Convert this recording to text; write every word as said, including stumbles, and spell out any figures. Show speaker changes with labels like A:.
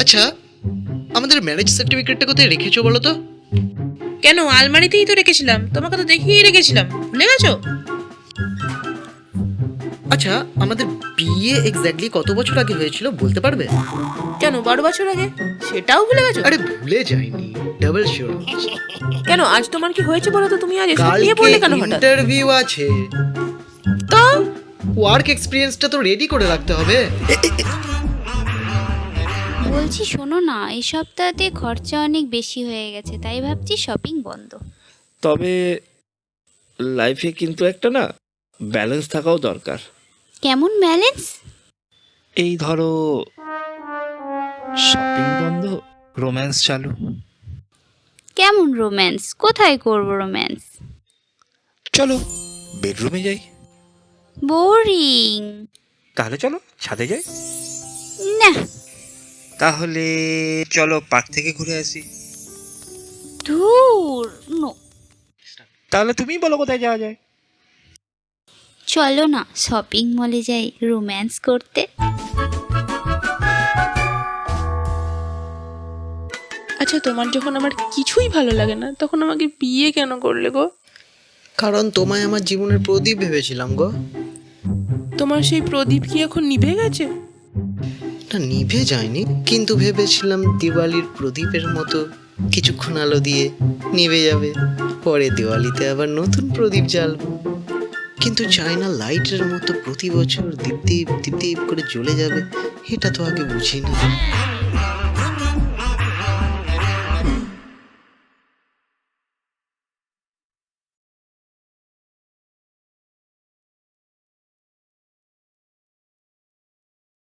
A: আচ্ছা, আমাদের ম্যারেজ সার্টিফিকেটটা কোথায় রেখেছো বলো তো?
B: কেন, আলমারিতেই তো রেখেছিলাম, তোমাকে তো দেখিয়ে রেখেছিলাম, ভুলে গেছো?
A: আচ্ছা, আমাদের বিয়ে এক্স্যাক্টলি কত বছর আগে হয়েছিল বলতে পারবে?
B: কেন, বারো বছর আগে? সেটাও ভুলে গেছো?
A: আরে ভুলে যাইনি, ডাবল শিওর।
B: কেন, আজ তোমার কি হয়েছে বলো তো? তুমি আজ এসব নিয়ে
A: কালকে
B: পড়লে কেন হঠাৎ?
A: ইন্টারভিউ আছে,
B: তো
A: ওয়ার্ক এক্সপিরিয়েন্সটা তো রেডি করে রাখতে হবে।
C: বলছি শোনো না, এই সপ্তাহতে খরচা অনেক বেশি হয়ে গেছে, তাই ভাবছি শপিং বন্ধ।
D: তবে লাইফে কিন্তু একটা না ব্যালেন্স থাকাও দরকার।
C: কেমন ব্যালেন্স?
D: এই ধরো, শপিং বন্ধ, রোম্যান্স চালু।
C: কেমন রোম্যান্স? কোথায় করব রোম্যান্স?
D: চলো বেডরুমে যাই।
C: বোরিং।
D: তাহলে চলো ছাদে যাই।
C: না।
D: তাহলে চলো পার্ক থেকে ঘুরে আসি।
C: ধুর, নো।
D: তাহলে তুমি বলো কোথায় যাওয়া যায়।
C: চলো না শপিং মলে যাই রোম্যান্স করতে।
B: আচ্ছা, তোমার যখন আমার কিছুই ভালো লাগে না, তখন আমাকে বিয়ে কেন করলে গো?
A: কারণ তোমায় আমার জীবনের প্রদীপ ভেবেছিলাম গো।
B: তোমার সেই প্রদীপ কি এখন নিভে গেছে?
A: না, নিভে যায়নি, কিন্তু ভেবেছিলাম দিওয়ালির প্রদীপের মতো কিছুক্ষণ আলো দিয়ে নিভে যাবে, পরে দিওয়ালিতে আবার নতুন প্রদীপ জ্বালবো। কিন্তু চায়না লাইটের মতো প্রতি বছর দীপ দীপ দীপ দীপ করে জ্বলে যাবে, এটা তো আগে বুঝি না।